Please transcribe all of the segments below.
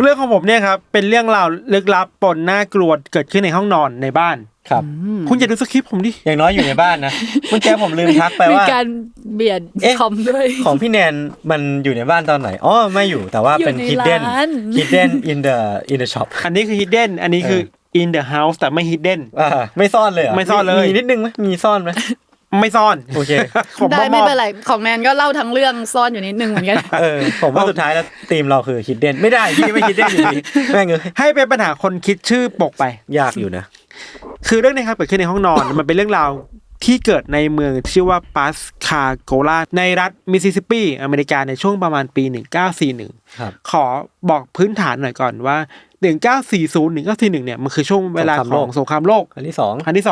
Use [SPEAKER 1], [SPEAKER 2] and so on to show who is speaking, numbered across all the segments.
[SPEAKER 1] เรื่องของผมเนี่ยครับเป็นเรื่องราวลึกลับปนน่ากลัวเกิดขึ้นในห้องนอนในบ้าน
[SPEAKER 2] ครับ
[SPEAKER 1] คุณอย่าดูสคริปต์ผมดิ
[SPEAKER 2] อย่างน้อยอยู่ในบ้านนะเมื่อกี้ผมลืมทักไปว่า
[SPEAKER 3] มีการเบียดคอมด้วย
[SPEAKER 2] ของพี่แนนมันอยู่ในบ้านตอนไหนอ๋อไม่อยู่แต่ว่าเป็น hidden in the shop
[SPEAKER 1] อันนี้คือ hidden อันนี้คือ in the house แต่ไม่ hidden
[SPEAKER 2] ไม่ซ่อนเลย
[SPEAKER 1] ไม่ซ่อนเลย
[SPEAKER 2] มีนิดนึงมั้ยมีซ่อนมั้ย
[SPEAKER 1] ไม่ซ่อน
[SPEAKER 2] โอเค
[SPEAKER 3] ได้ไม่เป็นไรของแนนก็เล่าทั้งเรื่องซ่อนอยู่นิดนึงเหมือนกัน
[SPEAKER 2] ผมว่าสุดท้ายแล้วธีมเราคือ hidden ไม่ได้พี่ไม่ hidden อยู่ดีแม่ง
[SPEAKER 1] ให้เป็นปัญหาคนคิดชื่อปกไป
[SPEAKER 2] ยากอยู่นะ
[SPEAKER 1] คือเรื่องนี้ครับเกิดขึ้นในห้องนอน มันเป็นเรื่องราวที่เกิดในเมืองชื่อว่าปัสคาโกลาในรัฐมิสซิสซิปปีอเมริกาในช่วงประมาณปี1941ขอบอกพื้นฐานหน่อยก่อนว่า1940 1941เนี่ยมันคือช่วงเวลาของสงครามโลก
[SPEAKER 2] ครั้งที่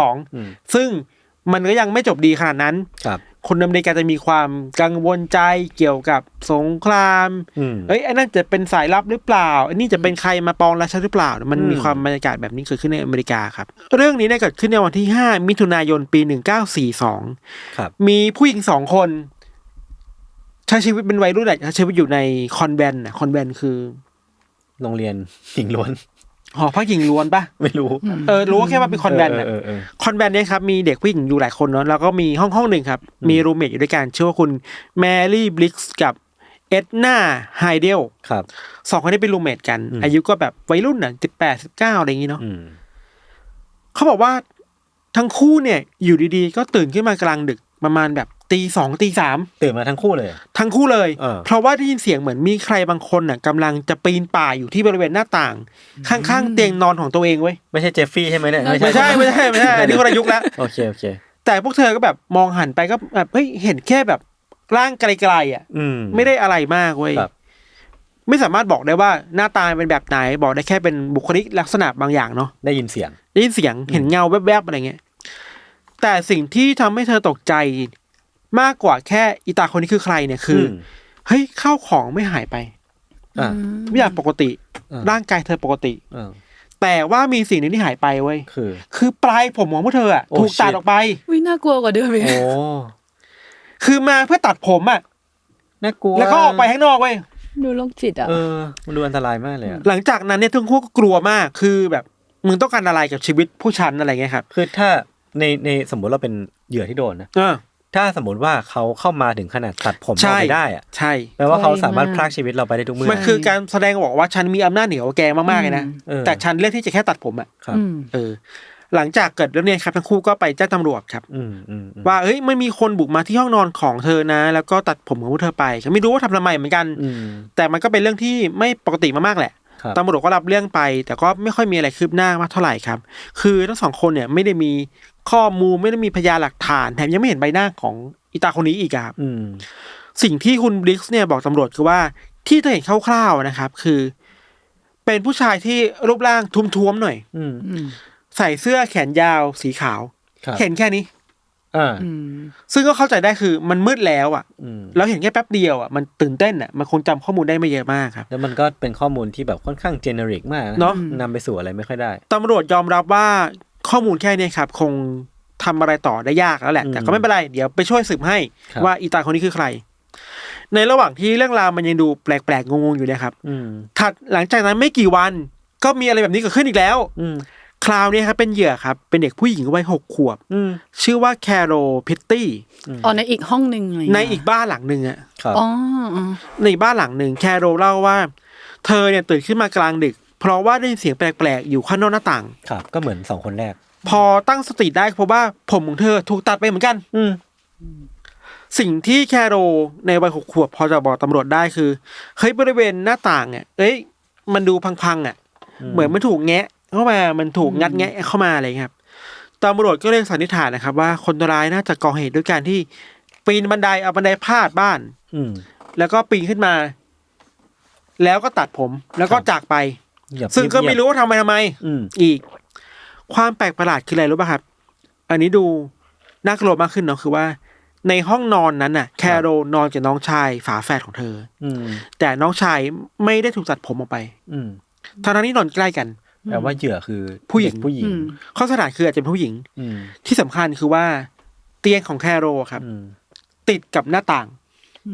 [SPEAKER 1] 2ซึ่งมันก็ยังไม่จบดีขนาดนั้นคนอเมริกาจะมีความกังวลใจเกี่ยวกับสงครามไอ้นั่นจะเป็นสายลับหรือเปล่าอันนี้จะเป็นใครมาปองราชาหรือเปล่ามันมีความบรรยากาศแบบนี้เกิดขึ้นในอเมริกาครับเรื่องนี้เกิดขึ้นในวันที่5มิถุนายนปี1942
[SPEAKER 2] ครับ
[SPEAKER 1] มีผู้หญิง2คนใช้ชีวิตเป็นวัยรุ่นใช้ชีวิตอยู่ในคอนแวนต์คอนแวนต์คือ
[SPEAKER 2] โรงเรียนหญิงล้วน
[SPEAKER 1] หอพักหญิงล้วนปะ
[SPEAKER 2] ไม่รู้
[SPEAKER 1] รู้แค่ว่าเป็นคอนแวนต์คอนแวนต์เนี่ยครับมีเด็กผู้หญิงอยู่หลายคนเนาะแล้วก็มีห้องนึงครับมีรูมเมทอยู่ด้วยกันชื่อว่าคุณแมรี่บลิกส์กับเอ็ดนาไฮเดล
[SPEAKER 2] ครับ
[SPEAKER 1] 2คนนี้เป็นรูมเมทกันอายุก็แบบวัยรุ่นน่ะ18 19อะไรอย่างงี้เนาะเขาบอกว่าทั้งคู่เนี่ยอยู่ดีๆก็ตื่นขึ้นมากลางดึกประมาณแบบตีสองตีสาม
[SPEAKER 2] ตื่นมาทั้งคู่เลย
[SPEAKER 1] เพราะว่าได้ยินเสียงเหมือนมีใครบางคนน่ะกำลังจะปีนป่ายอยู่ที่บริเวณหน้าต่างข้างๆเตียงนอนของตัวเองเว้ย
[SPEAKER 2] ไม่ใช่เจฟฟี่ใช่ไหมเนี่ย
[SPEAKER 1] ไม่ใช่อันนี้คนละยุคแล้ว
[SPEAKER 2] โอเค
[SPEAKER 1] แต่พวกเธอก็แบบมองหันไปก็แบบเฮ้ยเห็นแค่แบบร่างไกลๆอ่ะไม่ได้อะไรมากเว้ยไม่สามารถบอกได้ว่าหน้าตาเป็นแบบไหนบอกได้แค่เป็นบุคลิกลักษณะบางอย่างเนาะ
[SPEAKER 2] ได้ยินเสียง
[SPEAKER 1] เห็นเงาแวบๆอะไรเงี้ยแต่สิ่งที่ทำให้เธอตกใจมากกว่าแค่อีตาคนนี้คือใครเนี่ยคือเฮ้ยข้าวของไม่หายไปไม่อย่างปกติร่างกายเธอปกติแต่ว่ามีสิ่งนึงที่หายไปเว้ยคือปลายผมของพวกเธออ่ะถูกตัดออกไป
[SPEAKER 3] น่ากลัวกว่าเดิมอีก
[SPEAKER 1] คือมาเพื่อตัดผมอ่ะ
[SPEAKER 2] น่ากลัว
[SPEAKER 1] แล้วก็ออกไปข้างนอกเว้ย
[SPEAKER 3] ดูโรคจิตอ่ะ
[SPEAKER 2] มันดูอันตรายมากเลย
[SPEAKER 1] หลังจากนั้นเนี่ยทั้งคู่ก็กลัวมากคือแบบมึงต้องการอะไรกับชีวิตผู้ชันอะไรเงี้ยครับ
[SPEAKER 2] คือถ้าในสมมติเราเป็นเหยื่อที่โดนนะถ้าสมมติว่าเขาเข้ามาถึงขนาดตัดผมเราไปได้อ่ะ
[SPEAKER 1] ใช่
[SPEAKER 2] แปลว่าเขาสามารถพรากชีวิตเราไปได้ทุกเมื่อ
[SPEAKER 1] มันคือการแสดงบอกว่าฉันมีอำนาจเหนือแกมากๆเลยนะแต่ฉันเลือกที่จะแค่ตัดผมอ่ะหลังจากเกิดเรื่องนี้ครับทั้งคู่ก็ไปแจ้งตำรวจครับว่าเฮ้ยมันมีคนบุกมาที่ห้องนอนของเธอนะแล้วก็ตัดผมของเธอไปฉันไม่รู้ว่าทำไมเหมือนกันแต่มันก็เป็นเรื่องที่ไม่ปกติมากๆแหละตำรวจก็รับเรื่องไปแต่ก็ไม่ค่อยมีอะไรคืบหน้ามากเท่าไหร่ครับคือทั้งสองคนเนี่ยไม่ได้มีข้อมูลไม่ได้มีพยานหลักฐานแถมยังไม่เห็นใบหน้าของอีตาคนนี้อีกครับสิ่งที่คุณบลิกส์เนี่ยบอกตำรวจคือว่าที่เธอเห็นคร่าวๆนะครับคือเป็นผู้ชายที่รูปร่างทุ้มๆหน่อยใส่เสื้อแขนยาวสีขาวเห็นแค่นี้ซึ่งก็เข้าใจได้คือมันมืดแล้วอ่ะแล้วเห็นแค่แป๊บเดียวอ่ะมันตื่นเต้นอ่ะมันคงจำข้อมูลได้ไม่เยอะมากครับ
[SPEAKER 2] แล้วมันก็เป็นข้อมูลที่แบบค่อนข้างเจเนริกมาก
[SPEAKER 1] เนาะ
[SPEAKER 2] นำไปสู่อะไรไม่ค่อยได้
[SPEAKER 1] ตำรวจยอมรับว่าข้อมูลแค่นี้ครับคงทำอะไรต่อได้ยากแล้วแหละแต่ก็ไม่เป็นไรเดี๋ยวไปช่วยสืบให้ว่าอีตาคนนี้คือใครในระหว่างที่เรื่องราวมันยังดูแปลกๆงงๆอยู่นะครับถัดหลังจากนั้นไม่กี่วันก็มีอะไรแบบนี้เกิดขึ้นอีกแล้วคราวนี้ครับเป็นเหยื่อครับเป็นเด็กผู้หญิงวัย6 ขวบชื่อว่าแคโรพิตตี้
[SPEAKER 3] ในอีกห้องนึง
[SPEAKER 1] ในอีกบ้านหลังนึงอ่ะในบ้านหลังนึงแคโรเล่าว่าเธอเนี่ยตื่นขึ้นมากลางดึกเพราะว่าได้ยินเสียงแปลกๆอยู่ข้างนอกหน้าต่าง
[SPEAKER 2] ครับก็เหมือน2คนแรก
[SPEAKER 1] พอตั้งสติได้เพราะว่าผมของเธอถูกตัดไปเหมือนกันสิ่งที่แคโรในวัย6 ขวบพอจะบอกตำรวจได้คือเฮ้ยบริเวณหน้าต่างเนี่ยมันดูพังๆอ่ะเหมือนมันถูกแงะเข้ามามันถูกงัดแงะเข้ามาอะไรครับตำรวจก็เลยสันนิษฐานนะครับว่าคนร้ายน่าจะก่อเหตุด้วยการที่ปีนบันไดเอาบันไดพาดบ้านแล้วก็ปีนขึ้นมาแล้วก็ตัดผมแล้วก็จากไปซึ่งก็ไม่รู้ว่าทำไมอีกความแปลกประหลาดคืออะไรรู้ป่ะครับอันนี้ดูน่ากลัวมากขึ้นเนาะคือว่าในห้องนอนนั้นน่ะแคโรนอนกับน้องชายฝาแฝดของเธอแต่น้องชายไม่ได้ถูกตัดผมออกไปทั้งนี้นอนใกล้กัน
[SPEAKER 2] แปลว่าเหยื่อคือ
[SPEAKER 1] ผู้หญิงข้อสถานคืออาจจะเป็นผู้หญิงที่สำคัญคือว่าเตียงของแคโรครับติดกับหน้าต่าง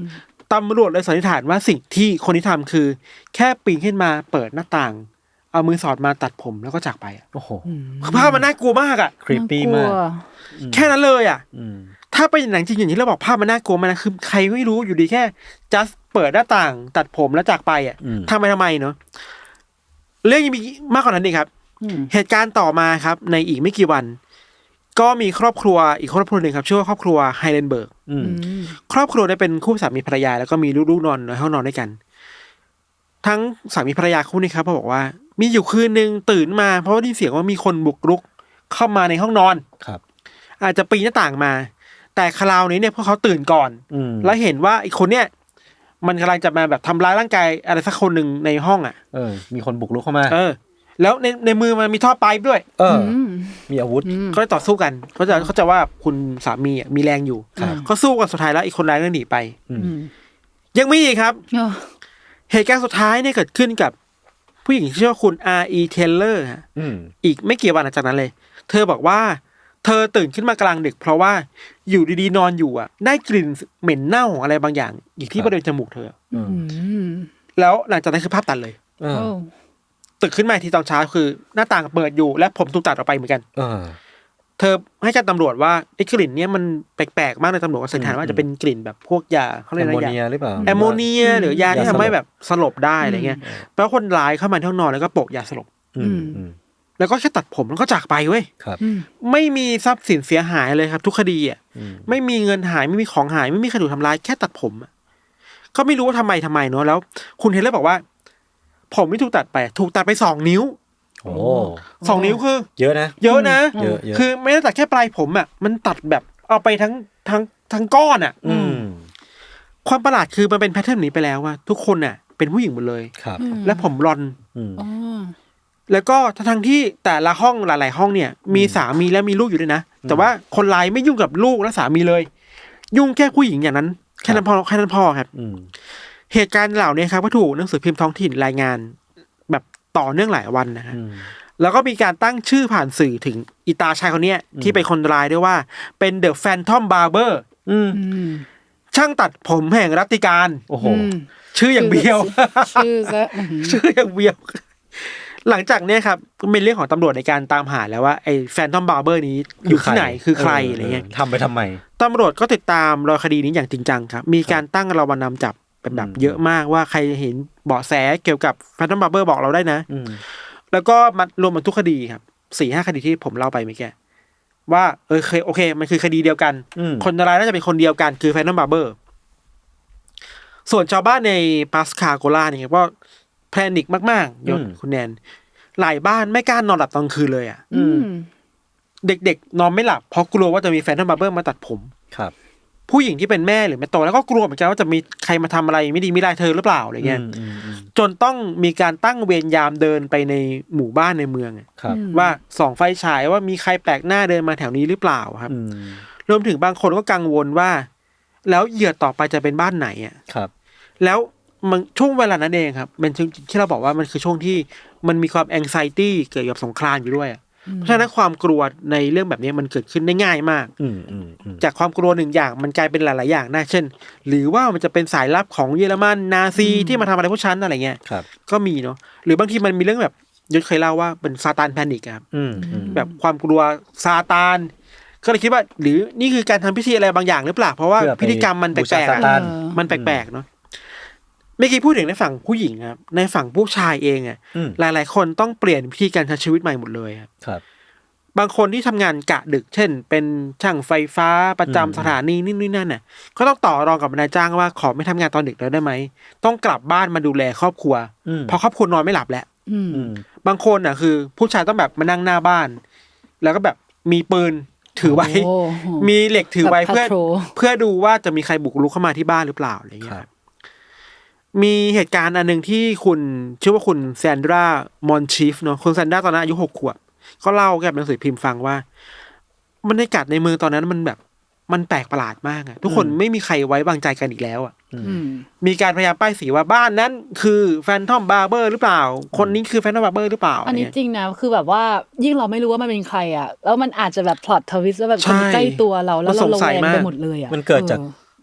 [SPEAKER 1] ตำรวจเลยสันนิษฐานว่าสิ่งที่คนที่ทำคือแค่ปีนขึ้นมาเปิดหน้าต่างเอามือสอดมาตัดผมแล้วก็จากไปโอ้โหภาพมันน่ากลัวมากอ่ะ
[SPEAKER 2] ครีปปี้มาก
[SPEAKER 1] แค่นั้นเลยอ่ะถ้าเป็นหนังจริงอย่างที่เราบอกภาพมันน่ากลัวมันนะคือใครไม่รู้อยู่ดีแค่ just เปิดหน้าต่างตัดผมแล้วจากไปอ่ะทำไมเนาะเรื่องยังมีมากกว่านั้นอีกครับเหตุการณ์ต่อมาครับในอีกไม่กี่วันก็มีครอบครัวอีกครอบครัวหนึ่งครับชื่อว่าครอบครัวไฮเลนเบิร์กครอบครัวได้เป็นคู่สามีภรรยาแล้วก็มีลูกๆนอนในห้องนอนด้วยกันทั้งสามีภรรยาคู่นี้ครับเขาบอกว่ามีอยู่คืนนึงตื่นมาเพราะว่าได้ยินเสียงว่ามีคนบุกรุกเข้ามาในห้องนอน
[SPEAKER 2] ครับ
[SPEAKER 1] อาจจะปีนหน้าต่างมาแต่คราวนี้เนี่ยพวกเขาตื่นก่อนแล้วเห็นว่าไอ้คนเนี้ยมันกำลังจะมาแบบทำร้ายร่างกายอะไรสักคนหนึ่งในห้องอ่ะ
[SPEAKER 2] มีคนบุกรุกเข้ามา
[SPEAKER 1] แล้วในมือมันมีท่อไฟด้วย
[SPEAKER 2] มีอาวุธ
[SPEAKER 1] ก็เลยต่อสู้กันเขาจะว่าคุณสามีมีแรงอยู่เขาสู้กันสุดท้ายแล้วอีกคนร้ายก็หนีไปยังมีอีกครับเหตุการณ์สุดท้ายเนี่ยเกิดขึ้นกับผู้หญิงชื่อว่าคุณ R.E. Taylor ฮะอีกไม่กี่วันหลังจากนั้นเลยเธอบอกว่าเธอตื่นขึ้นมากลางดึกเพราะว่าอยู่ดีๆนอนอยู่อ่ะได้กลิ่นเหม็นเน่าของอะไรบางอย่างอยู่ที่บริเวณจมูกเธอแล้วหลังจากนั้นคือภาพตัดเลยตื่นขึ้นมาทีตอนเช้าคือหน้าต่างเปิดอยู่และผมถูกตัดออกไปเหมือนกันเธอให้การตำรวจว่าไอ้กลิ่นเนี้ยมันแปลกๆมากเลยตำรวจก็สันนิษฐานว่าจะเป็นกลิ่นแบบพวกยาเขาเรียกอะไรยาแอมโมเนียหรือยาที่ทำให้แบบสลบได้อะไรเงี้ยแปลว่าคนร้ายเข้ามาที่ห้องนอนแล้วก็โปะยาสลบแล้วก็แค่ตัดผมแล้วก็จากไปเว้ยไม่มีทรัพย์สินเสียหายเลยครับทุกคดีอ่ะไม่มีเงินหายไม่มีของหายไม่มีใครถูกทำร้ายแค่ตัดผมก็ไม่รู้ว่าทำไมเนาะแล้วคุณเทเลอร์บอกว่าผมไม่ถูกตัดไป2 นิ้ว
[SPEAKER 2] โอ้
[SPEAKER 1] 2 นิ้วคือ
[SPEAKER 2] เยอะนะ
[SPEAKER 1] เยอะคือไม่ได้ตัดแค่ปลายผมอ่ะมันตัดแบบเอาไปทั้งก้อนอ่ะความประหลาดคือมันเป็นแพทเทิร์นนี้ไปแล้วว่าทุกคนอ่ะเป็นผู้หญิงหมดเลยและผมรอนแล้วก็ทั้งที่แต่ละห้องหลายๆห้องเนี่ยมีสามีและมีลูกอยู่ด้วยนะแต่ว่าคนร้ายไม่ยุ่งกับลูกและสามีเลยยุ่งแค่ผู้หญิงอย่างนั้นแค่นั้นพอครับเหตุการณ์เหล่านี้ครับก็ถูกหนังสือพิมพ์ท้องถิ่นรายงานแบบต่อเนื่องหลายวันนะฮะแล้วก็มีการตั้งชื่อผ่านสื่อถึงอีตาชายคนนี้ที่เป็นคนร้ายด้วยว่าเป็น The Phantom Barber ช่างตัดผมแห่งรัตติการ
[SPEAKER 2] โอ้โห
[SPEAKER 1] ชื่ออย่างเบี้ยว
[SPEAKER 3] ชื่อ
[SPEAKER 1] อย่างเบี้ยวหลังจากนี้ครับเป็นเรื่องของตำรวจในการตามหาแล้วว่าไอ้ Phantom Barber นี้อยู่ที่ไหนคือใครอะไรเงี้ย
[SPEAKER 2] ทำไปทำไม
[SPEAKER 1] ตำรวจก็ติดตามรอคดีนี้อย่างจริงจังครับมีการตั้งรางวัลนำจับเป็นแบบเยอะมากว่าใครเห็นเบาะแสเกี่ยวกับ Phantom Barber บอกเราได้นะแล้วก็มารวมมันทุกคดีครับ 4-5 คดีที่ผมเล่าไปเมื่อกี้ว่าโอเคมันคือคดีเดียวกันคนร้ายน่าจะเป็นคนเดียวกันคือ Phantom Barber ส่วนชาวบ้านในปาสคาโกลาเนี่ยก็แพนิคมากๆยศคุณแนนหลายบ้านไม่กล้านอนหลับตอนคืนเลยอ่ะเด็กๆนอนไม่หลับเพราะกลัวว่าจะมีแฟนทอมบาร์เบอร์มาตัดผม
[SPEAKER 2] ครับ
[SPEAKER 1] ผู้หญิงที่เป็นแม่หรือแม่โตแล้วก็กลัวเหมือนกันว่าจะมีใครมาทำอะไรไม่ดีไม่ร้ายเธอหรือเปล่าอะไรเงี้ยจนต้องมีการตั้งเวรยามเดินไปในหมู่บ้านในเมืองว่าส่องไฟฉายว่ามีใครแปลกหน้าเดินมาแถวนี้หรือเปล่าครับรวมถึงบางคนก็กังวลว่าแล้วเหยื่อต่อไปจะเป็นบ้านไหนอ่ะ
[SPEAKER 2] ครับ
[SPEAKER 1] แล้วมันช่วงเวลานั้นเองครับเป็นช่วงที่เราบอกว่ามันคือช่วงที่มันมีความ anxiety เกี่ยวกับสงครามอยู่ด้วยเพราะฉะนั้นความกลัวในเรื่องแบบนี้มันเกิดขึ้นได้ง่ายมากจากความกลัวหนึ่งอย่างมันกลายเป็นหลายๆอย่างได้เช่นหรือว่ามันจะเป็นสายลับของเยอรมันนาซีที่มาทำอะไรพวกฉันอะไรเงี้ยก็มีเนาะหรือบางทีมันมีเรื่องแบบยศเคยเล่าว่าเป็นซาตานแพนิคครับแบบความกลัวซาตานก็เลยคิดว่าหรือนี่คือการทำพิธีอะไรบางอย่างหรือเปล่าเพราะว่าพิธีกรรมมันแปลกๆมันแปลกๆเนาะไม่คิดพูดถึงในฝั่งผู้หญิงครับในฝั่งผู้ชายเองอ่ะหลายๆคนต้องเปลี่ยนวิธีการใช้ชีวิตใหม่หมดเลย
[SPEAKER 2] ครับ
[SPEAKER 1] บางคนที่ทำงานกะดึกเช่นเป็นช่างไฟฟ้าประจำสถานีนี่นั่นน่ะก็ต้องต่อรองกับนายจ้างว่าขอไม่ทำงานตอนดึกแล้วได้ไหมต้องกลับบ้านมาดูแลครอบครัวเพราะครอบครัวนอนไม่หลับแล้วบางคนอ่ะคือผู้ชายต้องแบบมานั่งหน้าบ้านแล้วก็แบบมีปืนถือไว้มีเหล็กถือไว้เพื่อดูว่าจะมีใครบุกรุกเข้ามาที่บ้านหรือเปล่าอะไรอย่างเงี้ยมีเหตุการณ์อันนึงที่คุณชื่อว่าคุณแซนดรามอนชีฟเนาะคุณแซนดราตอนนั้นอายุ6 ขวบเขาเล่าแกบหนังสือพิมพ์ฟังว่าบรรยากาศในเมืองตอนนั้นมันแบบมันแปลกประหลาดมากอะทุกคนไม่มีใครไว้วางใจกันอีกแล้วอะมีการพยายามป้ายสีว่าบ้านนั้นคือแฟนทอมบาร์เบอร์หรือเปล่าคนนี้คือแฟนทอมบาร์เบอร์หรือเปล่า
[SPEAKER 3] อันนี้จริงนะคือแบบว่ายิ่งเราไม่รู้ว่ามันเป็นใครอะแล้วมันอาจจะแบบพล็อตทวิสต์แล้วแบบคนใกล้ตัวเราแล้วเราระแวงไปหมดเลยอะ
[SPEAKER 2] มันเกิดจาก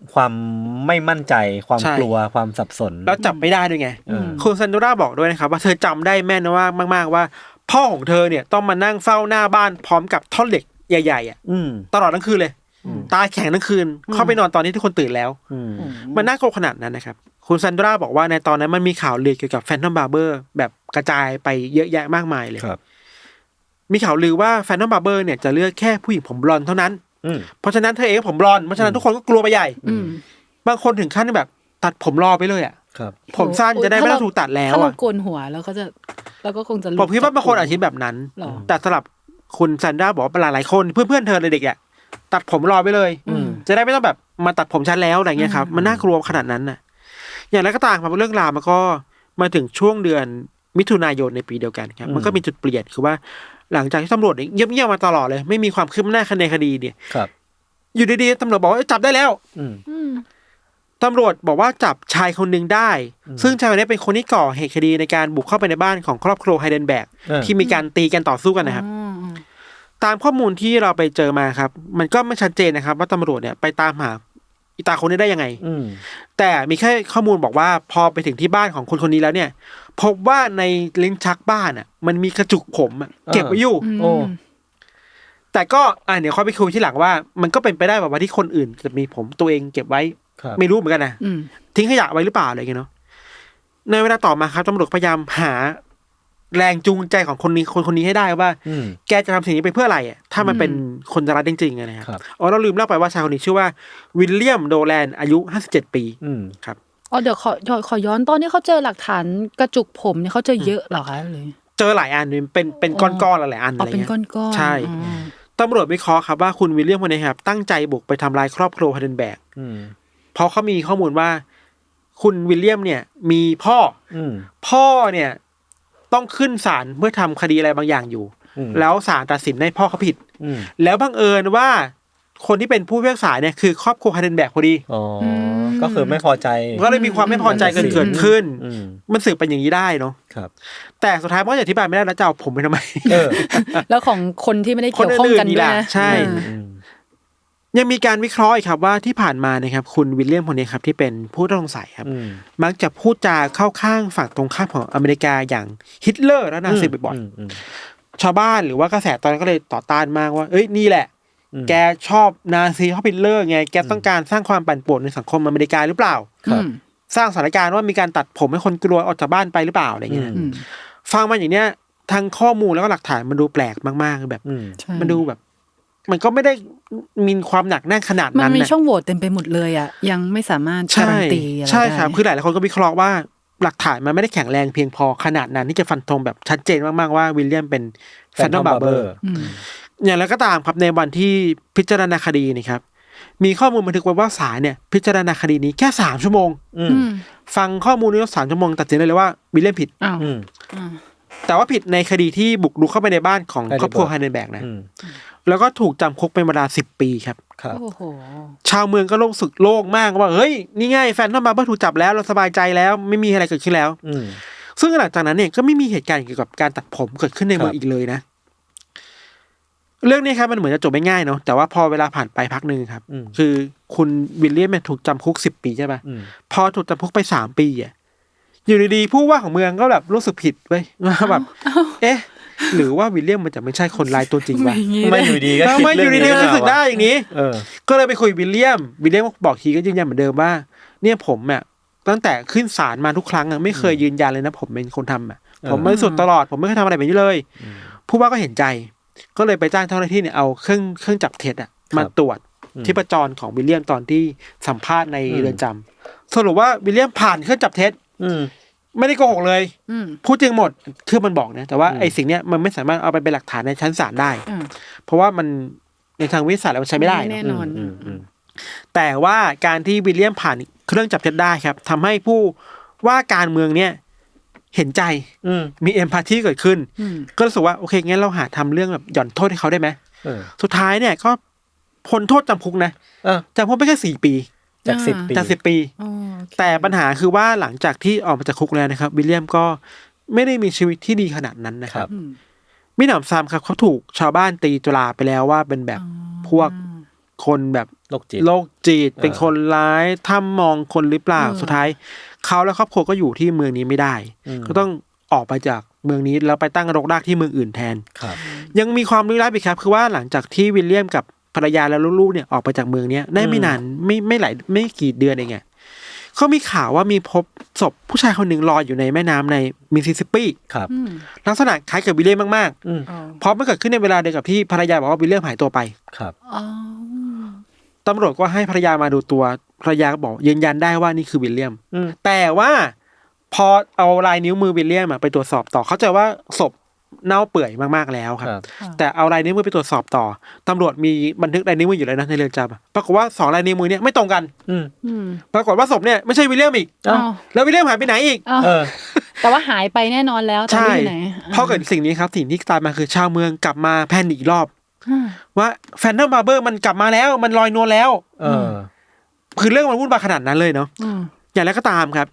[SPEAKER 2] ความไม่มั่นใจความกลัวความสับสน
[SPEAKER 1] แล้วจับไม่ได้ด้วยไงคุณซันโดราบอกด้วยนะครับว่าเธอจำได้แม่นว่ามากๆว่าพ่อของเธอเนี่ยต้องมานั่งเฝ้าหน้าบ้านพร้อมกับท่อนเหล็กใหญ่ๆอ่ะตลอดทั้งคืนเลยตาแข็งทั้งคืนเข้าไปนอนตอนนี้ทุกคนตื่นแล้วมันน่ากลัวขนาดนั้นนะครับคุณซันโดราบอกว่าในตอนนั้นมันมีข่าวลือเกี่ยวกับแฟนทอมบาร์เบอร์แบบกระจายไปเยอะแยะมากมายเลยมีข่าวลือว่าแฟนทอมบาร์เบอร์เนี่ยจะเลือกแค่ผู้หญิงผมบลอนด์เท่านั้นเพราะฉะนั้นเธอเองผมบลอนด์เพราะฉะนั้นทุกคนก็กลัวไปใหญ่บางคนถึงขั้นแบบตัดผมรอไปเลยอ่ะผมสั้นจะได้ไม่ต้องถูกตัดแล้วอ่ะถ้า
[SPEAKER 3] เราโกนหัวแล้วก็จะแล้วก็คงจะ
[SPEAKER 1] ผมคิดว่าบางคนอาจจะคิดแบบนั้นแต่สำหรับคุณซันโดราบอกว่าหลายๆคนเพื่อนๆเธอเลยเด็กอ่ะตัดผมรอไปเลยจะได้ไม่ต้องแบบมาตัดผมชั้นแล้วอะไรเงี้ยครับมันน่ากลัวขนาดนั้นน่ะอย่างไรก็ตามครับเรื่องราวมันก็มาถึงช่วงเดือนมิถุนายนในปีเดียวกันครับมันก็มีจุดเปลี่ยนคือว่าหลังจากที่ตำรวจเงียบๆมาตลอดเลยไม่มีความคืบหน้าในคดีเนี่ยอยู่ดีๆตำรวจบอกว่าจับได้แล้วตำรวจบอกว่าจับชายคนหนึ่งได้ซึ่งชายคนนี้เป็นคนที่ก่อเหตุคดีในการบุกเข้าไปในบ้านของครอบครัวไฮเดนแบร์กที่มีการตีกันต่อสู้กันนะครับตามข้อมูลที่เราไปเจอมาครับมันก็ไม่ชัดเจนนะครับว่าตำรวจเนี่ยไปตามหาอีตาคนนี้ได้ยังไงแต่มีแค่ข้อมูลบอกว่าพอไปถึงที่บ้านของคนนี้แล้วเนี่ยพบว่าในลิ้นชักบ้านอ่ะมันมีกระจุกผมเก็บไว้อยู่แต่ก็เดี๋ยวค่อยไปคุยที่หลังว่ามันก็เป็นไปได้แบบว่าที่คนอื่นจะมีผมตัวเองเก็บไว้ไม่รู้เหมือนกันนะทิ้งขยะไว้หรือเปล่าอะไรอย่างเงี้ยเนาะในเวลาต่อมาครับตำรวจพยายามหาแรงจูงใจของคนนี้ให้ได้ว่าแกจะทำสิ่งนี้ไปเพื่ออะไรอ่ะถ้ามันเป็นคนรักจริงๆนะครับเราลืมเล่าไปว่าชายคนนี้ชื่อว่าวิลเลียมโดแลนอายุ57ปีครับ
[SPEAKER 3] เดี๋ยวขอย้อนตอนที่เขาเจอหลักฐานกระจุกผมเนี่ยเขาเจอเยอะเหรอคะเลย
[SPEAKER 1] เจอหลายอันเป็นก้อนๆหลายอันอะไรเงี้ย
[SPEAKER 3] เป็นก้อน
[SPEAKER 1] ๆใช่ตำรวจวิเคราะห์ครับว่าคุณวิลเลียมคนนี้ครับตั้งใจบุกไปทำลายครอบครัวไฮเดนแบร์กเพราะเขามีข้อมูลว่าคุณวิลเลียมเนี่ยมีพ่อเนี่ยต้องขึ้นศาลเพื่อทำคดีอะไรบางอย่างอยู่แล้วศาลตัดสินให้พ่อเขาผิดแล้วบังเอิญว่าคนที่เป็นผู้พิพากษาเนี่ยคือครอบครัวไฮเดนแบร์กพอดี
[SPEAKER 2] ก็คือไม่พอใจ
[SPEAKER 1] ก็เลยมีความไม่พอใจเกิดขึ้นมันสืบเป็นอย่างนี้ได้เนาะแต่สุดท้ายมันก็อธิบายไม่ได้แล้วจะเอาผมไปทำไม
[SPEAKER 3] แล้วของคนที่ไม่ได้เกี่ยวข้องกันด้วย
[SPEAKER 1] ใช่ยังมีการวิเคราะห์อีกครับว่าที่ผ่านมานะครับคุณวิลเลียมคนนี้ครับที่เป็นผู้ต้องสงสัยครับมักจะพูดจาเข้าข้างฝั่งตรงข้ามของอเมริกาอย่างฮิตเลอร์และนาซีบ่อยๆชาวบ้านหรือว่ากระแสตอนนั้นก็เลยต่อต้านมากว่าเอ้ยนี่แหละแกชอบนาซีชอบฮิตเลอร์ไงแกต้องการสร้างความปั่นป่วนในสังคมอเมริกาหรือเปล่าสร้างสถานการณ์ว่ามีการตัดผมให้คนกลัวออกจากบ้านไปหรือเปล่าอะไรเงี้ยฟังมาอย่างเนี้ยทางข้อมูลแล้วก็หลักฐานมันดูแปลกมากๆแบบมันดูแบบมันก็ไม่ได้มีความหนักแน่นขนาดนั้น
[SPEAKER 3] มันมีช่องโหว่เต็มไปหมดเลยอ่ะยังไม่สามารถการันตีอะไรได้
[SPEAKER 1] ใช่ครับคือหลายๆคนก็วิเคราะห์ว่าหลักฐานมันไม่ได้แข็งแรงเพียงพอขนาดนั้นที่จะฟันธงแบบชัดเจนมากๆว่าวิลเลียมเป็นแฟนทอมบาร์เบอร์อย่างไรก็ตามครับในวันที่พิจารณาคดีนี่ครับมีข้อมูลบันทึกไว้ว่าศาลเนี่ยพิจารณาคดีนี้แค่3 ชั่วโมงฟังข้อมูลนี้3 ชั่วโมงตัดสินได้เลยว่าวิลเลียมผิดแต่ว่าผิดในคดีที่บุกรุกเข้าไปในบ้านของครอบครัวไฮเดนแบร์กนะแล้วก็ถูกจำคุกเป็นเวลา10 ปีครับชาวเมืองก็รู้สึกโล่งมากว่าเฮ้ยนี่ไงแฟนทอมบาร์เบอร์ถูกจับแล้วเราสบายใจแล้วไม่มีอะไรเกิดขึ้นแล้วซึ่งหลังจากนั้นเนี่ยก็ไม่มีเหตุการณ์เกี่ยวกับการตัดผมเกิดขึ้นในเมืองอีกเลยนะเรื่องนี้ครับมันเหมือนจะจบไม่ง่ายเนาะแต่ว่าพอเวลาผ่านไปพักนึงครับคือคุณวิลเลียมเนี่ยถูกจำคุก10 ปีใช่ป่ะพอถูกจำคุกไป3 ปีอ่ะอยู่ดีๆผู้ว่าของเมืองก็แบบรู้สึกผิดเว้ยว่าแบบเอ๊ะหรือว่าวิลเลียมมันจะไม่ใช่คนร้ายตัวจริงวะ
[SPEAKER 2] ไม่อยู่ดีก็
[SPEAKER 1] ไม่อยู่ดีๆรู้สึกได้อย่างนี้ก็เลยไปคุยวิลเลียมบอกทีก็ยืนยันเหมือนเดิมว่าเนี่ยผมอ่ะตั้งแต่ขึ้นศาลมาทุกครั้งอ่ะไม่เคยยืนยันเลยนะผมเป็นคนทำอ่ะผมบริสุทธิ์ตลอดผมไม่เคยทำอะไรแบบนี้เลยผู้ว่าก็เห็นใจก็เลยไปจ้างเจ้าหน้าที่เนี่ยเอาเครื่องจับเท็จอ่ะมาตรวจชีพจรของวิลเลียมตอนที่สัมภาษณ์ในเรือนจำสรุปว่าวิลเลียมผ่านเครื่องจับเท็จไม่ได้โกหกเลยพูดจริงหมดคือมันบอกนะแต่ว่าไอ้สิ่งเนี้ยมันไม่สามารถเอาไปเป็นหลักฐานในชั้นศาลได้เพราะว่ามันในทางวิทยาศาสตร์แล้วมันใช้ไม่ได้
[SPEAKER 3] แน่นอน
[SPEAKER 1] แต่ว่าการที่วิลเลียมผ่านเครื่องจับเท็จได้ครับทำให้ผู้ว่าการเมืองเนี่ยเห็นใจมีเอมพาธีเกิดขึ้นก็รู้สึกว่าโอเคงั้นเราหาทำเรื่องแบบหย่อนโทษให้เขาได้ไหมสุดท้ายเนี่ยก็พ้นโทษจำคุกนะจำคุกไปแค่4 ปี
[SPEAKER 2] จาก10
[SPEAKER 1] ปีแต่ปัญหาคือว่าหลังจากที่ออกมาจากคุกแล้วนะครับวิลเลียมก็ไม่ได้มีชีวิตที่ดีขนาดนั้นนะครับมิหนำซ้ำครับเขาถูกชาวบ้านตีตราไปแล้วว่าเป็นแบบพวกคนแบบ
[SPEAKER 2] โรคจิต
[SPEAKER 1] เป็นคนร้ายถ้ามองคนหรือเปล่าสุดท้ายเขาและครอบครัวก็อยู่ที่เมืองนี้ไม่ได้ก็ต้องออกไปจากเมืองนี้แล้วไปตั้งรกรากที่เมืองอื่นแทนยังมีความลี้ลับอีกครับคือว่าหลังจากที่วิลเลียมกับภรรยาและลูกๆเนี่ยออกไปจากเมืองนี้ได้ไม่นานไม่กี่เดือนเองไงเขามีข่าวว่ามีพบศพผู้ชายคนหนึ่งลอยอยู่ในแม่น้ำในมิสซิสซิปปี
[SPEAKER 2] ครับ
[SPEAKER 1] ลักษณะคล้ายกับวิลเลียมมากๆเพราะมันเกิดขึ้นในเวลาเดียวกับที่ภรรยาบอกว่าวิลเลียมหายตัวไป
[SPEAKER 2] ครับ
[SPEAKER 1] ตำรวจก็ให้ภรรยามาดูตัวภรรยาก็บอกยืนยันได้ว่านี่คือวิลเลียมแต่ว่าพอเอาลายนิ้วมือวิลเลียมไปตรวจสอบต่อเข้าใจว่าศพเน่าเปื่อยมากๆแล้วครับแต่เอาลายนิ้วมือไปตรวจสอบต่อตำรวจมีบันทึกลายนิ้วมืออยู่แล้วนะในเรือนจำปรากฏว่า2ลายนิ้วมือเนี่ยไม่ตรงกันปรากฏว่าศพเนี่ยไม่ใช่วิลเลียมอีกแล้ววิลเลียมหายไปไหนอีก
[SPEAKER 3] แต่ว่าหายไปแน่นอนแล้วตอนนี้ไหน
[SPEAKER 1] พอเกิดสิ่งนี้ครับสิ่งที่ตามมาคือชาวเมืองกลับมาแพนิคอีกรอบว่าแฟนทอมบาร์เบอร์มันกลับมาแล้วมันลอยนวลแล้วคือเรื่องมันวุ่นวายขนาดนั้นเลยเนาะอย่างไรก็ตามครับ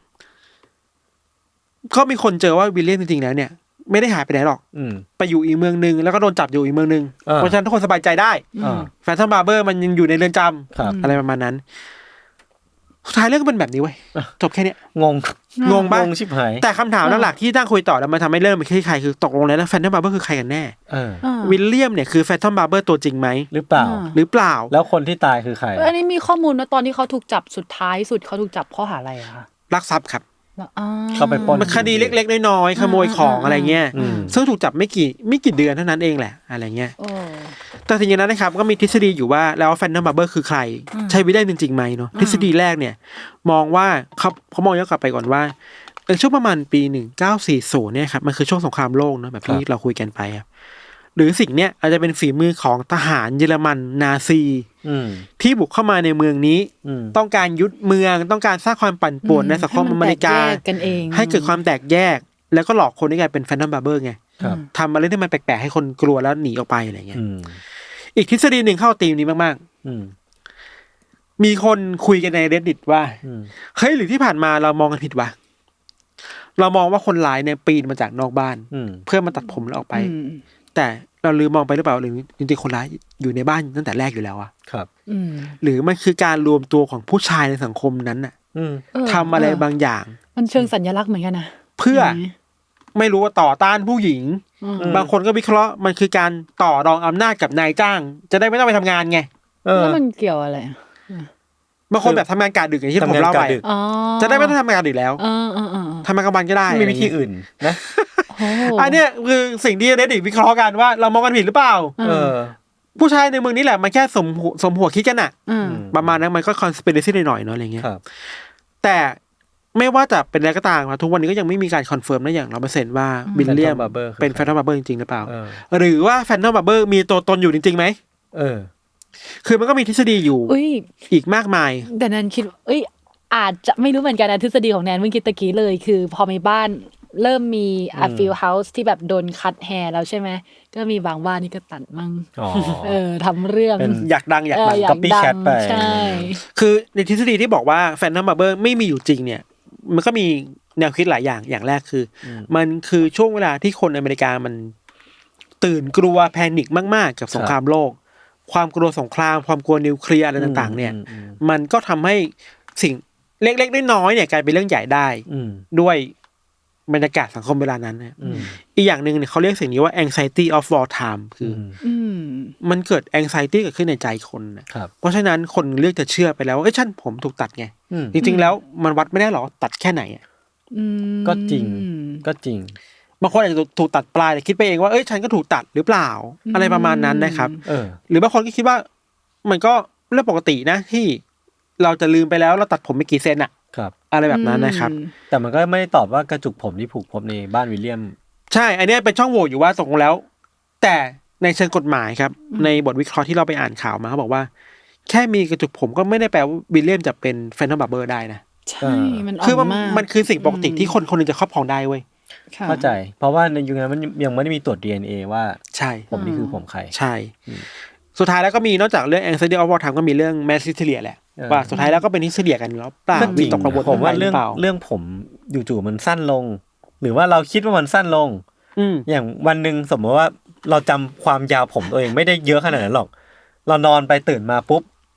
[SPEAKER 1] ก็มีคนเจอว่าวิลเลียมจริงๆแล้วเนี่ยไม่ได้หายไปไหนหรอกไปอยู่อีกเมืองนึงแล้วก็โดนจับอยู่อีกเมืองนึงเพราะฉะนั้นทุกคนสบายใจได้แฟนทอมบาร์เบอร์มันยังอยู่ในเรือนจำอะไรประมาณนั้นสุดท้ายเรื่องก็เป็นแบบนี้เว้ยจบแค่นี้งงบ้าง
[SPEAKER 2] ชิบหาย
[SPEAKER 1] แต่คำถามหลักๆที่ตั้งคุยต่อแล้วมันทำให้เริ่มเป็นใครคือตกลงแล้วแฟนทอมบาร์เบอร์คือใครกันแน่วิลเลียมเนี่ยคือแฟนทอมบาร์เบอร์ตัวจริงไหม
[SPEAKER 2] หรือเปล่าแล้วคนที่ตายคือใคร
[SPEAKER 3] อันนี้มีข้อมูลว่าตอนที่เขาถูกจับสุดท้ายสุดเขาถูกจับข้อหาอะไรอะคะ
[SPEAKER 1] ลักทรัพย์ครับ
[SPEAKER 2] เข้าไปปล้น
[SPEAKER 1] มันคดีเล็กๆน้อยๆขโมยของอะไรเงี้ยซึ่งถูกจับไม่กี่เดือนเท่านั้นเองแหละอะไรเงี้ยแต่ทีนี้นะครับก็มีทฤษฎีอยู่ว่าแล้วแฟนทอมบาร์เบอร์คือใครใช่วิลเลียมจริงๆไหมเนาะทฤษฎีแรกเนี่ยมองว่าเขามองย้อนกลับไปก่อนว่าช่วงประมาณปี1940เนี่ยครับมันคือช่วงสงครามโลกเนาะแบบที่เราคุยกันไปครับหรือสิ่งเนี้ยอาจจะเป็นฝีมือของทหารเยอรมันนาซีที่บุกเข้ามาในเมืองนี้ต้องการยึดเมืองต้องการสร้างความปั่นป่วนในสังคมอเมริกาให้เกิดความแตกแยกแล้วก็หลอกคนให้กลายเป็นแฟนทอมบาร์เบอร์ไงทำอะไรที่มันแปลกๆให้คนกลัวแล้วหนีออกไปอะไรเงี้ยอีกทฤษฎีหนึ่งเข้าธีมนี้มากๆมีคนคุยกันใน Reddit ว่าเฮ้ยหรือที่ผ่านมาเรามองกันผิดวะเรามองว่าคนร้ายเนี่ยปีนมาจากนอกบ้านเพื่อมาตัดผมแล้วออกไปแต่เราลืมมองไปหรือเปล่าหรือจริงๆคนร้ายอยู่ในบ้านตั้งแต่แรกอยู่แล้วอะ
[SPEAKER 2] ครับ
[SPEAKER 1] หรือมันคือการรวมตัวของผู้ชายในสังคมนั้นน่ะทำอะไรบางอย่าง
[SPEAKER 3] มันเชิงสัญลักษณ์เหมือนกันนะ
[SPEAKER 1] เพื่อไม่รู้ว่าต่อต้านผู้หญิงบางคนก็วิเคราะห์มันคือการต่อรองอำนาจกับนายจ้างจะได้ไม่ต้องไปทำงานไง
[SPEAKER 3] แล้วมันเกี่ยวอะไร
[SPEAKER 1] บางคนแบบทำงานกะดึกอย่างที่ผมเล่าไปจะได้ไม่ต้องทำงานดึกแล้วทำงานกลางวันก็ได้
[SPEAKER 2] มีวิธีอื่นนะ
[SPEAKER 1] อันเนี้ยคือสิ่งที่เรดดิตวิเคราะห์กันว่าเรามองกันผิดหรือเปล่าผู้ชายในเมืองนี้แหละมันแค่สมหัวคิดกันอะประมาณนั้นมันก็คอนสปิเรซี่หน่อยๆเนาะอะไรเงี้ยแต่ไม่ว่าจะเป็นอะไรก็ตามทุกวันนี้ก็ยังไม่มีการคอนเฟิร์มได้อย่าง100%ว่าวิลเลียมเป็นแฟนทอมบาร์เบอร์จริงๆหรือเปล่าหรือว่าแฟนทอมบาร์เบอร์มีตัวตนอยู่จริงๆไหมคือมันก็มีทฤษฎีอยู่อีกมากมาย
[SPEAKER 3] แต่แนนคิดอาจจะไม่รู้เหมือนกันนะทฤษฎีของแนนเมื่อกี้ตะกี้เลยคือพอมีบ้านเริ่มมีฟิลเฮาส์ที่แบบโดนคัตแฮร์แล้วใช่ไหมก็มีบางบ้านนี่ก็ตัดมั่งทำเรื่อง
[SPEAKER 1] อยากดัง
[SPEAKER 2] ก๊อปปี้แคทไป
[SPEAKER 3] ใช่
[SPEAKER 1] คือในทฤษฎีที่บอกว่าแฟนทอมบาร์เบอร์ไม่มีอยู่จริงเนี่ยมันก็มีแนวคิดหลายอย่างแรกคือมันคือช่วงเวลาที่คนอเมริกามันตื่นกลัวแพนิคมากๆกับสงครามโลกความกลัวสงครามความกลัวนิวเคลียร์อะไรต่างๆเนี่ยมันก็ทำให้สิ่งเล็กๆน้อยๆเนี่ยกลายเป็นเรื่องใหญ่ได้ด้วยบรรยากาศสังคมเวลานั้นนะอีกอย่างหนึ่งเนี่ยเขาเรียกสิ่งนี้ว่า anxiety of wartime คือมันเกิด anxiety เกิดขึ้นในใจคนนะเพราะฉะนั้นคนเลือกจะเชื่อไปแล้วว่าฉันผมถูกตัดไงจริงๆแล้วมันวัดไม่ได้หรอตัดแค่ไหน
[SPEAKER 2] ก็จริง
[SPEAKER 1] บางคนอาจจะถูกตัดปลายแต่คิดไปเองว่าฉันก็ถูกตัดหรือเปล่าอะไรประมาณนั้นนะครับหรือบางคนก็คิดว่ามันก็เรื่องปกตินะที่เราจะลืมไปแล้วเราตัดผมไปกี่เซนอะอะไรแบบนั้นนะครับ
[SPEAKER 2] แต่มันก็ไม่ได้ตอบว่ากระจุกผมที่ผูกพบในบ้านวิลเลียม
[SPEAKER 1] ใช่อันนี้เป็นช่องโหว่อยู่ว่าตกลงแล้วแต่ในเชิงกฎหมายครับในบทวิเคราะห์ที่เราไปอ่านข่าวมาเขาบอกว่าแค่มีกระจุกผมก็ไม่ได้แปลว่าวิลเลียมจะเป็นแฟนทอมบาร์เบอร์ได้นะ
[SPEAKER 3] ใช่มัน
[SPEAKER 1] คือมันคือสิ่งปกติที่คนคนนึงจะครอบครองได้เว้ย
[SPEAKER 2] เข้าใจเพราะว่าในยุคนั้นมันยังไม่ได้มีตรวจ DNA ว่า
[SPEAKER 1] ใช่
[SPEAKER 2] ผมนี่คือผมใคร
[SPEAKER 1] ใช่สุดท้ายแล้วก็มีนอกจากเรื่อง anxiety of wartime ก็มีเรื่อง mass hysteria แหละว่าสุดท้ายแล้วก็เป็นฮิสเทียกันแล้วเปล่ามีตกกังวล
[SPEAKER 2] ผมว่าเรื่องผมจู่ๆมันสั้นลงหรือว่าเราคิดว่ามันสั้นลงอย่างวันนึงสมมติว่าเราจำความยาวผมตัวเองไม่ได้เยอะขนาดนั้นหรอกเรานอนไปตื่นมาปุ๊บ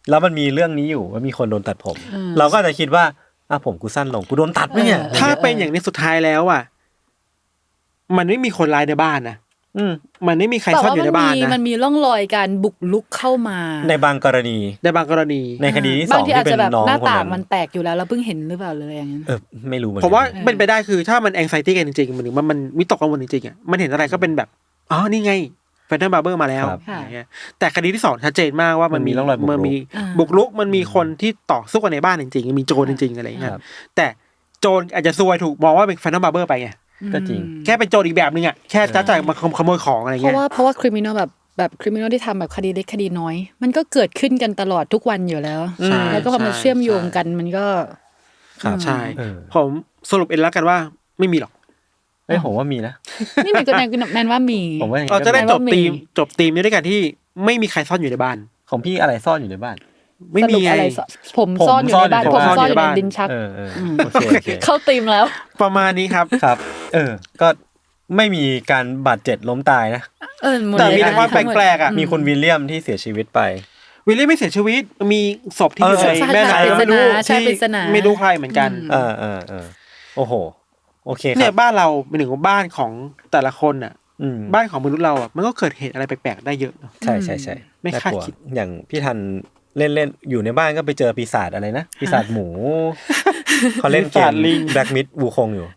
[SPEAKER 2] แล้วมันมีเรื่องนี้อยู่ว่ามีคนโดนตัดผมเราก็จะคิดว่าผมกูสั้นลงกูโดนตัดไหมเนี่ย
[SPEAKER 1] ถ้าเป็นอย่างนี้สุดท้ายแล้วอ่ะมันไม่มีคนร้ายในบ้านนะมันไม่มีใครซ่อนอยู่ในบ้านนะ
[SPEAKER 3] มันมีร่องรอยการบุกรุกเข้ามา
[SPEAKER 2] ในบางกรณี
[SPEAKER 1] ใน
[SPEAKER 2] คดีที่2ที่เป็นน้องคนนั้น
[SPEAKER 3] หน้าต่างมันแตกอยู่แล้วเราเพิ่งเห็นหรือเปล่าเลยอย่างนั้น
[SPEAKER 2] ไม่รู้เหมือน
[SPEAKER 1] กันผมว่าเป็นไปได้คือถ้ามัน anxiety กันจริงๆมันวิตกกังวลจริงๆอ่ะมันเห็นอะไรก็เป็นแบบนี่ไงแฟนตาบาร์เบอร์มาแล้วแต่คดีที่2ชัดเจนมากว่ามันมีร่องรอยบุกรุกมันมีคนที่ต่อสู้กันในบ้านจริงๆมีโจรจริงๆอะไรอย่างเงี้ยแต่โจรอาจจะซวยถูกมองว่าเป็นแฟนตาบาร์เบอร์ไปไง
[SPEAKER 2] ก็จริง
[SPEAKER 1] แค่เป็นโจรอีกแบบนึงอ่ะแค่จ้าจ่ายมาขโมยของอะไรเงี้
[SPEAKER 3] ยเพราะว่าคริมินอลแบบคริมินอลที่ทำแบบคดีเล็กคดีน้อยมันก็เกิดขึ้นกันตลอดทุกวันอยู่แล้วแล้วก็พอมันเชื่อมโยงกันมันก็
[SPEAKER 1] ใช่ผมสรุปเองแล้วกันว่าไม่มีหรอก
[SPEAKER 2] ผมว่ามีนะ
[SPEAKER 3] นี่มันก็แนนว่ามี
[SPEAKER 1] เราจะได้จบธีมนี้ด้วยกันที่ไม่มีใครซ่อนอยู่ในบ้าน
[SPEAKER 2] ของพี่อะไรซ่อนอยู่ในบ้าน
[SPEAKER 1] ไม่มีอะไร
[SPEAKER 3] ผมซ่อนอยู่ในบ้านผมซ่อนอยู่ในดินชักเข้าธีมแล้ว
[SPEAKER 1] ประมาณนี้ครับ
[SPEAKER 2] ก็ไม่มีการบาดเจ็บล้มตายนะ
[SPEAKER 1] แต่มีแต่ความแปลกๆอ่ะ
[SPEAKER 2] มีคุณวิลเลียมที่เสียชีวิตไป
[SPEAKER 1] วิลเลียมไม่เสียชีวิตมีศพที่อยู่ในแม่น้ำไม่รู้ไม่รู้ใครเหมือนกัน
[SPEAKER 2] โอ้โหโอเคครับ
[SPEAKER 1] เนี่ยบ้านเราเป็นหนึ่งของบ้านของแต่ละคนอ่ะบ้านของมนุษย์เราอ่ะมันก็เกิดเหตุอะไรแปลกๆได้เยอะ
[SPEAKER 2] ใช่ใช่ใช่
[SPEAKER 1] ไม่คาดคิด
[SPEAKER 2] อย่างพี่ทันเล่นอยู่ในบ้านก็ไปเจอปีศาจอะไรนะปีศาจหมูเขาเล่นเกมแบล็กมิดวูคงอยู่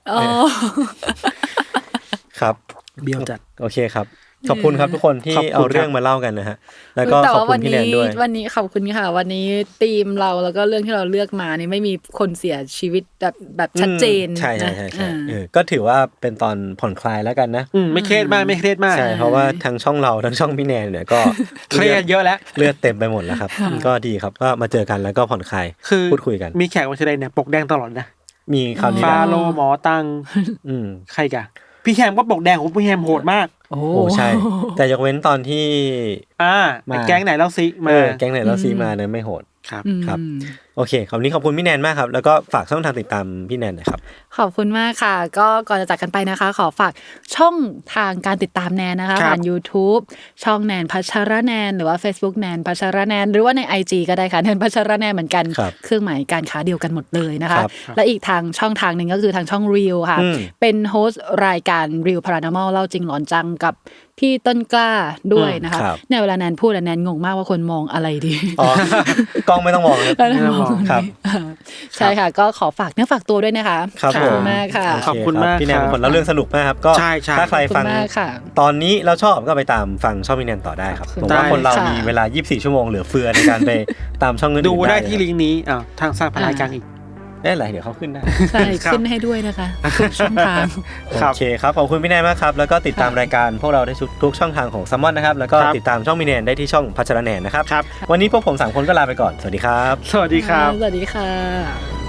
[SPEAKER 2] ครับ
[SPEAKER 1] เบี้ยวจัด
[SPEAKER 2] โอเคครับขอบคุณครับทุกคนที่เอาเรื่องมาเล่ากันนะฮะแล้วก็ขอบคุณพี่แนนด้วย
[SPEAKER 3] วันนี้ขอบคุณค่ะวันนี้ธีมเราแล้วก็เรื่องที่เราเลือกมานี่ไม่มีคนเสียชีวิตแบบชัดเจน
[SPEAKER 2] ใช่ก็ถือว่าเป็นตอนผ่อนคลายแล้วกันนะ
[SPEAKER 1] ไม่เครียดมากใ
[SPEAKER 2] ช่เพราะว่าทั้งช่องเราทั้งช่องพี่แนนเนี่ยก็
[SPEAKER 1] เครียดเยอะแล้ว
[SPEAKER 2] เลือดเต็มไปหมดแล้วครับก็ดีครับก็มาเจอกันแล้วก็ผ่อนคลายพูดคุยกัน
[SPEAKER 1] มีแขกมาแสดงเนี่ยปกแดงตลอดนะ
[SPEAKER 2] มีคราวนี้
[SPEAKER 1] ฟาโลหมอตังใครกะพี่แฮมก็ปกแดงของพี่แฮมโหดมาก
[SPEAKER 2] โอ้ใช่แต่ยกเว้นตอนที่
[SPEAKER 1] มาแก๊งไหนเล่าซิมา
[SPEAKER 2] แก๊งไหนเล่าซิมาเนี่ยไม่โหด
[SPEAKER 1] ครับ
[SPEAKER 2] โอเคคราวนี้ขอบคุณพี่แนนมากครับแล้วก็ฝากช่องทางติดตามพี่แนนหน่อยครับ
[SPEAKER 3] ขอบคุณมากค่ะก็ก่อนจะจากกันไปนะคะขอฝากช่องทางการติดตามแนนนะคะผ่าน YouTube ช่องแนนพัชรแนนหรือว่า Facebook แนนพัชรแนนหรือว่าใน IG ก็ได้ค่ะแนนพัชรแนนเหมือนกันเครื่องหมายการค้าเดียวกันหมดเลยนะคะและอีกทางช่องทางนึงก็คือทางช่อง Reel ค่ะเป็นโฮสต์รายการ Reel Paranormal เล่าจริงหลอนจังกับพี่ต้นกล้าด้วยนะคะเนี่ยเวลาแนนพูดแนนงงมากว่าคนมองอะไรดี
[SPEAKER 2] กล้องไม่ต้องมองครับ
[SPEAKER 3] ใช่ค่ะก็ขอฝากเนื้อฝากตัวด้วยนะคะ
[SPEAKER 2] ขอบ
[SPEAKER 3] คุณมากค่ะ
[SPEAKER 1] ขอบคุณมาก
[SPEAKER 2] พี่แนนเป็นคนเล่าเรื่องสนุกมากครับก็ถ้าใครฟังตอนนี้แล้วชอบก็ไปตามฟังช่องพี่แนนต่อได้ครับผมว่าคนเรามีเวลา24ชั่วโมงเหลือเฟือในการไปตามช่องอื่น
[SPEAKER 1] ดูได้ที่ลิงก์นี้ทางสร้างพลายกลางอีก
[SPEAKER 2] ได้ไรเดี๋ยวเขาขึ้นได้
[SPEAKER 3] ใช่ขึ้นให้ด้วยนะคะทุกช่องทาง
[SPEAKER 2] โอเคครับขอบคุณพี่แนนมากครับแล้วก็ติดตามรายการพวกเราได้ทุกช่องทางของซัมมอนนะครับแล้วก็ติดตามช่องพี่แนนได้ที่ช่องพัชรแนนนะครับวันนี้พวกผม3คนก็ลาไปก่อนสวัสดีครับ
[SPEAKER 1] สวัสดีครับ
[SPEAKER 3] สวัสดีค่ะ